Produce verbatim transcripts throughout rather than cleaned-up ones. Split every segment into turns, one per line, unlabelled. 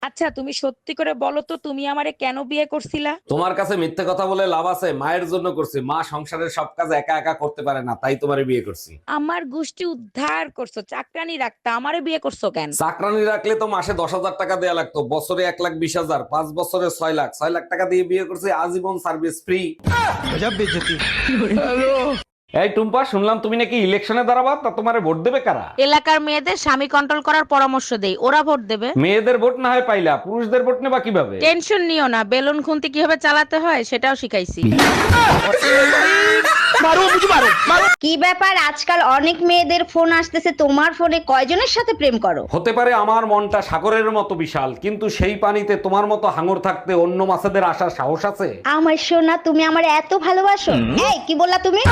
আচ্ছা তুমি সত্যি করে বলো তো তুমি আমারে কেন বিয়ে করছিলা?
তোমার কাছে মিথ্যে কথা বলে লাভ আছে? মায়ের জন্য করছি, মা সংসারের সব কাজ একা একা করতে পারে না, তাই তোমারে বিয়ে করছি।
আমার গোষ্ঠী উদ্ধার করছো, চাকরানি রাখতা, আমারে বিয়ে করছো কেন?
চাকরানি রাখলে তো মাসে দশ হাজার টাকা দেয়া লাগতো, বছরে এক লাখ বিশ হাজার, পাঁচ বছরে ছয় লাখ ছয় লাখ টাকা দিয়ে বিয়ে করছি, আজীবন সার্ভিস ফ্রি। এই টুম্পা, শুনলাম তুমি নাকি ইলেকশনে দাঁড়াবা, তা তোমারে ভোট দেবে কারা?
এলাকার মেয়েদের স্বামী কন্ট্রোল করার পরামর্শ দেই, ওরা ভোট দেবে।
মেয়েদের ভোট না হয় পাইলা, পুরুষদের ভোট নেবা কিভাবে?
টেনশন নিও না, বেলুন খুন্তি কিভাবে চালাতে হয় সেটাও শিখাইছি।
কি ব্যাপার, আজকাল অনেক মেয়েদের ফোন আসতেছে, তোমার ফোনে কয়জনের সাথে প্রেম করো?
হতে পারে আমার মনটা সাগরের মতো বিশাল, কিন্তু সেই পানিতে তোমার মতো হাঙর থাকতে অন্য মাছেদের আসার সাহস আছে?
আমার সোনা, তুমি আমার এত ভালোবাসো? এই কি বললা তুমি?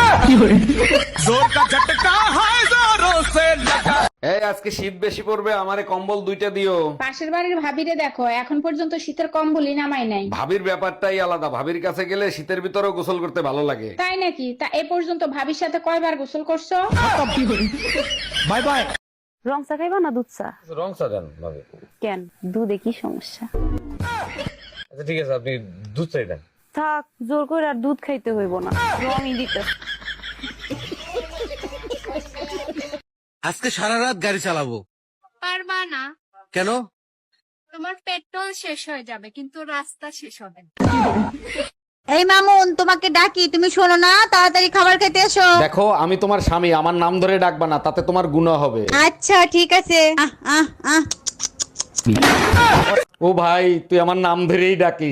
এই আজকে শীত বেশি পড়বে, আমারে কম্বল দুইটা দিও।
পাশের বাড়ির ভাবিরে দেখো, এখন পর্যন্ত শীতের কম্বলই নামাই নাই।
ভাবির ব্যাপারটাই আলাদা, ভাবির কাছে গেলে শীতের ভিতরেও গোসল করতে ভালো লাগে।
তাই নাকি? তা এ পর্যন্ত ভাবির সাথে কয়বার গোসল করছো?
Bye bye.
রং চা খাইবা না দুধ চা?
রং চা দেন ভাবি।
কেন, দুধে কি সমস্যা?
আচ্ছা ঠিক আছে, আপনি দুধ চাই দেন।
থাক, জোর করে আর দুধ খাইতে হইব না, রঙই দিতে।
আজকে সারা রাত গাড়ি চালাবো।
পারবা না।
কেন?
তোমার পেট্রোল শেষ হয়ে যাবে কিন্তু রাস্তা শেষ হবে না।
এই মামুন, তোমাকে ডাকি, তুমি শোনো না, তাড়াতাড়ি খাবার খেতে এসো।
দেখো, আমি তোমার স্বামী, আমার নাম ধরে ডাকবা না, তাতে তোমার গুনাহ হবে।
আচ্ছা ঠিক আছে। আহ আহ আহ
ও ভাই, তুই আমার নাম ধরেই ডাকিস।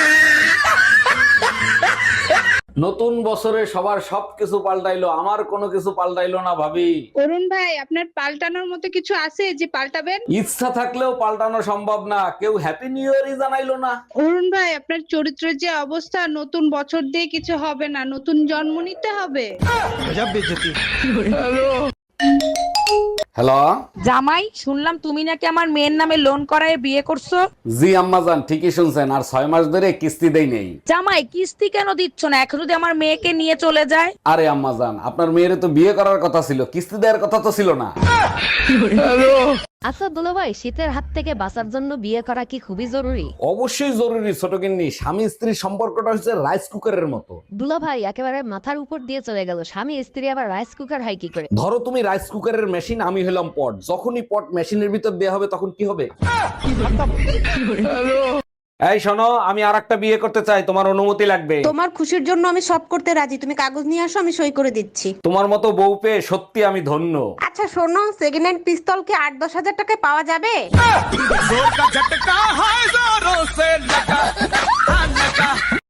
নতুন বছরে সবার সবকিছু পাল্টাইলো, আমার কোনো কিছু পাল্টাইলো না ভাবি।
অরুণ ভাই, আপনার পাল্টানোর মতো কিছু আছে যে পাল্টাবেন?
ইচ্ছা থাকলেও পাল্টানো সম্ভব না, কেউ হ্যাপি নিউ ইয়ারই জানাইলো না।
অরুণ ভাই, আপনার চরিত্রের যে অবস্থা, নতুন বছর দিয়ে কিছু হবে না, নতুন জন্ম নিতে হবে।
হ্যালো
জামাই, শুনলাম তুমি নাকি আমার মেয়ের নামে লোন করায় বিয়ে করছো।
জি আম্মাজান, ঠিকই শুনছেন, আর ছয় মাস ধরে কিস্তি দেই নেই।
জামাই, কিস্তি কেন দিচ্ছ না? এখন যদি আমার মেয়েকে নিয়ে চলে যায়?
আরে আম্মাজান, আপনার মেয়ের তো বিয়ে করার কথা ছিল, কিস্তি দেওয়ার কথা তো ছিল না।
আচ্ছা দুলাভাই, শীতের হাত থেকে বাঁচার জন্য বিয়ে করা কি খুবই জরুরি?
অবশ্যই জরুরি ছোট গিন্নি, স্বামী স্ত্রীর সম্পর্কটা হচ্ছে রাইস কুকারের মতো।
দুলাভাই একেবারে মাথার উপর দিয়ে চলে গেল, স্বামী স্ত্রী আবার রাইস কুকার হয় কি করে?
ধরো তুমি রাইস কুকারের মেশিন, আমি হলাম পট, যখনই পট মেশিনের ভিতর দেয়া হবে তখন কি হবে? এই শোনো, আমি আর একটা বিয়ে করতে চাই, তোমার অনুমতি লাগবে।
তোমার খুশির জন্য আমি সব করতে রাজি, তুমি কাগজ নিয়ে আসো, আমি সই করে দিচ্ছি।
তোমার মতো বউ পেয়ে সত্যি আমি ধন্য।
আচ্ছা শোনো, সেকেন্ড হ্যান্ড পিস্তল কি আট দশ হাজার টাকায় পাওয়া যাবে?